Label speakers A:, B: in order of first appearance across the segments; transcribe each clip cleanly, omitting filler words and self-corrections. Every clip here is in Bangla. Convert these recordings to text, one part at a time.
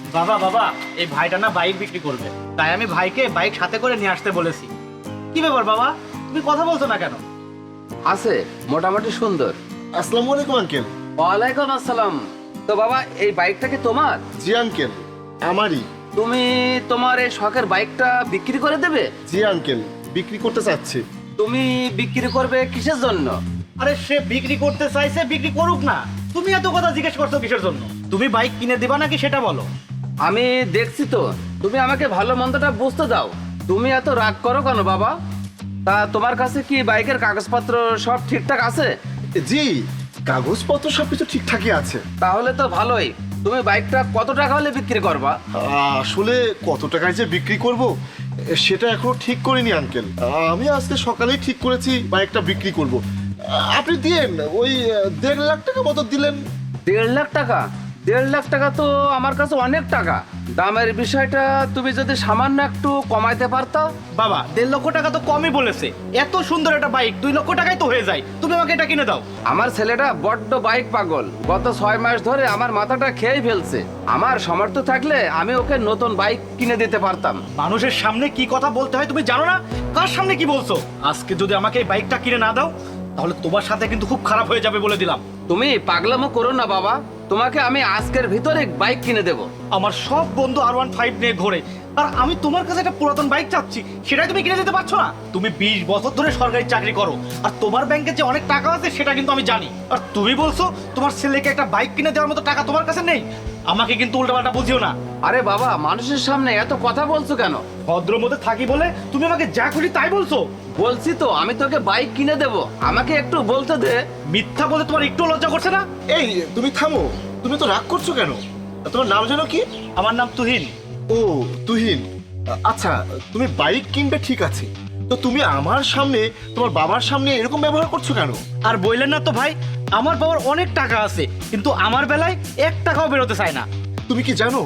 A: বাবা বাবা, এই ভাইটা না বাইক বিক্রি করবে, তাই আমি ভাইকে বাইক সাথে করে নিয়ে আসতে বলেছি। কি ব্যাপার বাবা, তুমি কথা বলছো না কেন?
B: আছে, মোটামুটি সুন্দর।
C: আসসালামু আলাইকুম আঙ্কেল।
B: ওয়ালাইকুম আসসালাম। তো বাবা, এই বাইকটা কি তোমার?
C: জি আঙ্কেল, আমারই।
B: তুমি তোমার এই শখের বাইকটা বিক্রি করে দেবে?
C: জি আঙ্কেল, বিক্রি করতে চাচ্ছি।
B: তুমি বিক্রি করবে কিসের জন্য?
A: আরে সে বিক্রি করতে চাইছে, বিক্রি করুক না। তুমি এত কথা জিজ্ঞেস করছো কিসের জন্য? তুমি বাইক কিনে দিবা নাকি সেটা বলো।
B: আমি দেখছি তো, তুমি আমাকে ভালো মন্দটা বুঝতে দাও। তুমি এত রাগ করো কেন বাবা? তা তোমার কাছে কি বাইকের কাগজপত্র সব ঠিকঠাক আছে?
C: জি, কাগজপত্র সবকিছু ঠিকঠাকই আছে।
B: তাহলে তো ভালোই। তুমি বাইকটা কত টাকা হলে বিক্রি করবা?
C: আসলে কত টাকায় যে বিক্রি করব সেটা এখনো ঠিক করিনি আঙ্কেল। আমি আজকে সকালেই ঠিক করেছি বাইকটা বিক্রি করব। আপনি দিয়েন ওই 1.5 লাখ টাকা মতো দিলেন।
B: 1.5 লাখ টাকা? 1.5 লাখ টাকা তো আমার কাছে অনেক টাকা। দামের বিষয়টা তুমি যদি সামান্য একটু কমাইতে পারতা।
A: বাবা, 1.5 লক্ষ টাকা তো কমই বলেছে। এত সুন্দর একটা বাইক 2 লক্ষ টাকায় তো হয়ে যায়। তুমি আমাকে এটা কিনে দাও।
B: আমার ছেলেটা বড্ড বাইক পাগল। গত 6 মাস ধরে আমার মাথাটা খেয়ে ফেলছে। আমার সামর্থ্য থাকলে আমি ওকে নতুন বাইক কিনে দিতে পারতাম।
A: মানুষের সামনে কি কথা বলতে হয় তুমি জানো না? কার সামনে কি বলছো? আজকে যদি আমাকে এই বাইকটা কিনে না দাও, তাহলে তোমার সাথে কিন্তু খুব খারাপ হয়ে যাবে বলে দিলাম।
B: তুমি পাগলামো করো না বাবা। তোমাকে আমি আজকের ভিতরে বাইক কিনে দেব।
A: আমার সব বন্ধু R15 নিয়ে ঘোরে, আর আমি তোমার কাছে একটা পুরাতন বাইক চাচ্ছি, সেটাই তুমি কিনে দিতে পারছো না। তুমি 20 বছর ধরে সরকারি চাকরি করো, আর তোমার ব্যাংকে যে অনেক টাকা আছে সেটা কিন্তু আমি জানি। আর তুমি বলছো তোমার ছেলেকে একটা বাইক কিনে দেওয়ার মতো টাকা তোমার কাছে নেই। আমাকে কিন্তু উল্টাপাল্টা বুঝিও না।
B: আরে বাবা, মানুষের সামনে এত কথা বলছো কেন?
A: ভদ্র মধ্যে থাকি বলে তুমি আমাকে যা খুশি তাই বলছো।
B: বলছি তো আমি তোকে বাইক কিনে দেব, আমাকে একটু বলতে দে।
A: মিথ্যা বলে তোমার একটু লজ্জা করছে না?
C: এই তুমি থামো, তুমি তো রাগ করছো কেন? তোমার নাম জানো কি?
A: আমার নাম তুহিন।
C: ও তুহিন, আচ্ছা তুমি বাইক কিনবে ঠিক আছে, তো তুমি আমার সামনে তোমার বাবার সামনে এরকম ব্যবহার করছো কেন?
A: আর বললেন না তো ভাই, আমার বাবার অনেক টাকা আছে, কিন্তু আমার বেলায় 1 টাকাও বেরোতে চায় না।
C: তুমি কি জানো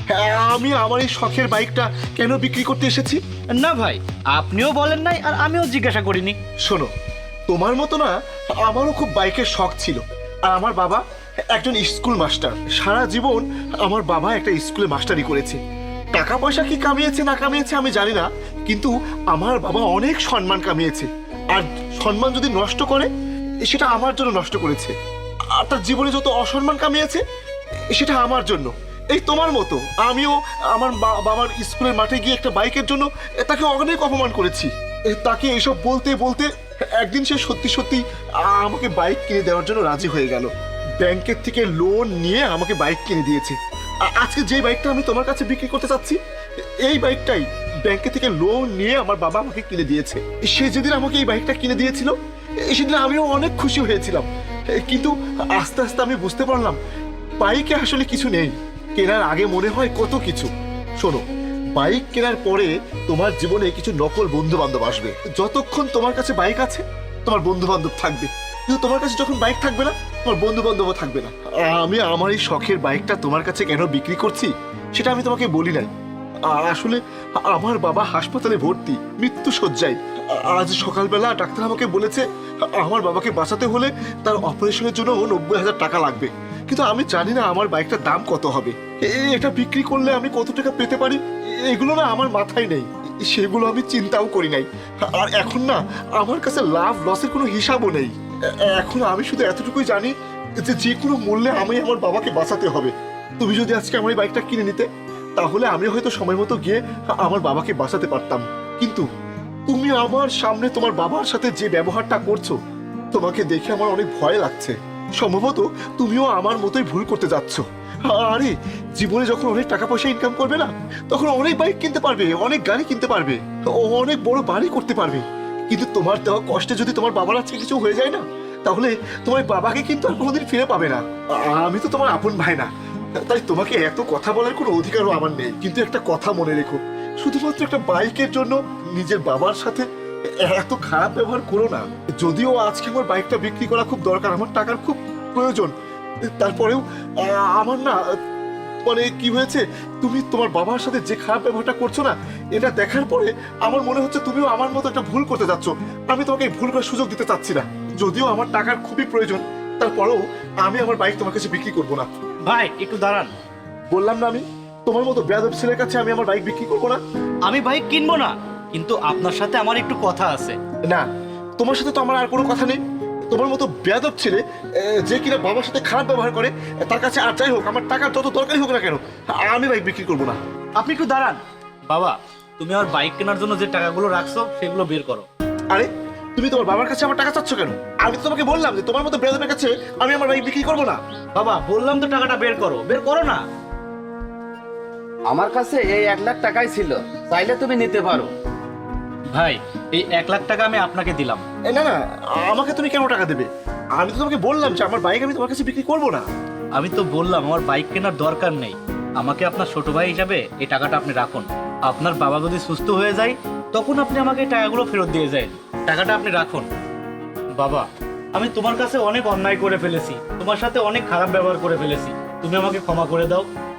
C: আমি আমার এই শখের বাইকটা কেন বিক্রি করতে এসেছি?
A: না ভাই, আপনিও বলেন নাই আর আমিও জিজ্ঞাসা করিনি।
C: শোনো, তোমার মতো না আমারও খুব বাইকের শখ ছিল। আর আমার বাবা একজন স্কুল মাস্টার। সারা জীবন আমার বাবা একটা স্কুলে মাস্টারি করেছে। টাকা পয়সা কি কামিয়েছে না কামিয়েছে আমি জানি না, কিন্তু আমার বাবা অনেক সম্মান কামিয়েছে। আর সম্মান যদি নষ্ট করে, সেটা আমার জন্য নষ্ট করেছে। আর তার জীবনে যত অসম্মান কামিয়েছে, সেটা আমার জন্য। এই তোমার মতো আমিও আমার বাবার স্কুলের মাঠে গিয়ে একটা বাইকের জন্য তাকে অনেক অপমান করেছি। তাকে এসব বলতে বলতে একদিন সে সত্যি সত্যি আমাকে বাইক কিনে দেওয়ার জন্য রাজি হয়ে গেল। ব্যাংকের থেকে লোন নিয়ে আমাকে বাইক কিনে দিয়েছে। আজকে যে বাইকটা আমি তোমার কাছে বিক্রি করতে চাচ্ছি, এই বাইকটাই ব্যাংকে থেকে লোন নিয়ে আমার বাবা আমাকে কিনে দিয়েছে। সে যেদিন আমাকে এই বাইকটা কিনে দিয়েছিল, সেদিন আমিও অনেক খুশি হয়েছিলাম। কিন্তু আস্তে আস্তে আমি বুঝতে পারলাম বাইকে আসলে কিছু নেই। কেনার আগে মনে হয় কত কিছু। শোনো, বাইক কেনার পরে তোমার জীবনে কিছু নকল বন্ধু বান্ধব আসবে। যতক্ষণ তোমার কাছে বাইক আছে, তোমার বন্ধু বান্ধব থাকবে, কিন্তু তোমার কাছে যখন বাইক থাকবে না, তোমার বন্ধু বান্ধবও থাকবে না। আমি আমার এই শখের বাইকটা তোমার কাছে কেন বিক্রি করছি সেটা আমি তোমাকে বলি নাই। আসলে আমার বাবা হাসপাতালে ভর্তি, মৃত্যু শয্যায়। আজ সকালবেলা ডাক্তার আমাকে বলেছে আমার বাবাকে বাঁচাতে হলে তার অপারেশনের জন্য 90,000 টাকা লাগবে। কিন্তু আমি জানি না আমার বাইকটার দাম কত হবে, এটা বিক্রি করলে আমি কত টাকা পেতে পারি, এগুলো না আমার মাথায় নেই। সেগুলো আমি চিন্তাও করি নাই। আর এখন না আমার কাছে লাভ লসের কোনো হিসাবও নেই। এখন আমি শুধু এতটুকুই জানি যে যে কোনো মূল্যে আমি আমার বাবাকে বাঁচাতে হবে। তুমি যদি আজকে আমার এই বাইকটা কিনে নিতে, তাহলে আমি হয়তো সময় মতো গিয়ে আমার বাবাকে বাঁচাতে পারতাম। কিন্তু তুমি আমার সামনে তোমার বাবার সাথে যে ব্যবহারটা করছো, তোমাকে দেখে আমার অনেক ভয় লাগছে। সম্ভবত তুমিও আমার মতোই ভুল করতে যাচ্ছ। আরে জীবনে যখন অনেক টাকা পয়সা ইনকাম করবে না, তখন অনেক বাইক কিনতে পারবে, অনেক গাড়ি কিনতে পারবে, অনেক বড় বাড়ি করতে পারবে। কিন্তু তোমার দেওয়া কষ্টে যদি তোমার বাবার আজকে কিছু হয়ে যায় না, তাহলে তোমার বাবাকে কিন্তু আর কোনোদিন ফিরে পাবে না। আমি তো তোমার আপন ভাই না, তাই তোমাকে এত কথা বলার কোনো অধিকারও আমার নেই। কিন্তু একটা কথা মনে রেখো, শুধুমাত্র একটা বাইকের জন্য নিজের বাবার সাথে এত খারাপ ব্যবহার করো না। যদিও আজকে আমার বাইকটা বিক্রি করা খুব দরকার, আমার টাকার খুব প্রয়োজন, তারপরেও আমার না মানে কি হয়েছে, তুমি তোমার বাবার সাথে যে খারাপ ব্যবহারটা করছো না, এটা দেখার পরে আমার মনে হচ্ছে তুমিও আমার মতো একটা ভুল করতে যাচ্ছ। আমি তোমাকে এই ভুল করার সুযোগ দিতে চাচ্ছি না। যদিও আমার টাকার খুবই প্রয়োজন, তারপরেও আমি আমার বাইক তোমার কাছে বিক্রি করবো না।
A: ভাই একটু দাঁড়ান।
C: বললাম না আমি তোমার মতো বেয়াদব ছেলের কাছে আমি আমার বাইক বিক্রি করবো না।
A: আমি বাইক কিনবো না, কিন্তু আপনার সাথে আমার একটু কথা আছে।
C: না, তোমার সাথে তো আমার আর কোনো কথা নেই। তোমার মতো বেয়াদব ছেলে যে কিনা বাবার সাথে খারাপ ব্যবহার করে, তার কাছে আর যাই হোক আমার টাকার যত দরকারই হোক না কেন, আমি বাইক বিক্রি করবো না।
A: আপনি একটু দাঁড়ান। বাবা, তুমি আমার বাইক কেনার জন্য যে টাকাগুলো রাখছো সেগুলো বের করো।
C: আরে তুমি তোমার বাবার কাছে আমার টাকা চাচ্ছ কেন? আমি তো তোমাকে বললাম যে তোমার মতো বেয়াদবের কাছে আমি আমার বাইক বিক্রি করবো না।
A: বাবা, বললাম তো টাকাটা বের করো, বের করো না।
B: আমার কাছে এই 1,00,000 টাকাই ছিল, চাইলে তুমি নিতে পারো।
A: ভাই, এই 1,00,000 টাকা আমি আপনাকে দিলাম।
C: না না, আমাকে তুমি কেন টাকা দেবে? আমি তো তোমাকে বললাম যে আমার বাইক আমি তোমার কাছে বিক্রি করবো না।
A: আমি তো বললাম আমার বাইক কেনার দরকার নেই। আমাকে আপনার ছোট ভাই হিসাবে এই টাকাটা আপনি রাখুন। আপনার বাবা যদি সুস্থ হয়ে যায় তখন আপনি আমাকে এই টাকাগুলো ফেরত দিয়ে যায়। টাকাটা আপনি রাখুন। বাবা, আমি তোমার কাছে অনেক অন্যায় করে ফেলেছি, তোমার সাথে অনেক খারাপ ব্যবহার করে ফেলেছি, তুমি আমাকে ক্ষমা করে দাও।